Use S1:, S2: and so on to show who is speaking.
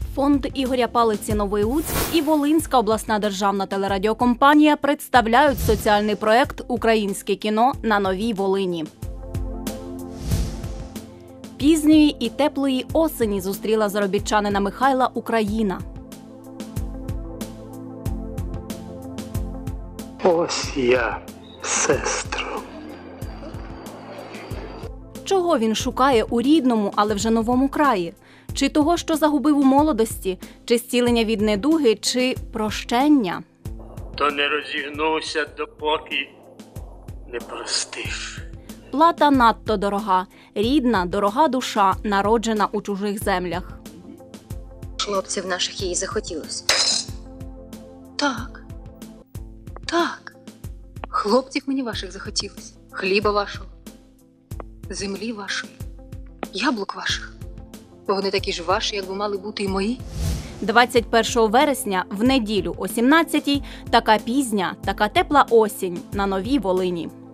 S1: Фонд Ігоря Палиці «Новий Луцьк» і Волинська обласна державна телерадіокомпанія представляють соціальний проєкт «Українське кіно на Новій Волині». Пізньої і теплої осені зустріла заробітчанина Михайла Україна.
S2: Ось я, сестро.
S1: Чого він шукає у рідному, але вже новому краї? Чи того, що загубив у молодості? Чи зцілення від недуги? Чи прощення?
S2: То не розігнувся, допоки не простив.
S1: Плата надто дорога. Рідна, дорога душа, народжена у чужих землях.
S3: Хлопців наших їй захотілося. Так. Так. Хлопців мені ваших захотілося. Хліба вашого. Землі вашої. Яблук ваших. Бо вони такі ж ваші, як би мали бути і мої.
S1: 21 вересня, в неділю о 17-й, така пізня, така тепла осінь на Новій Волині.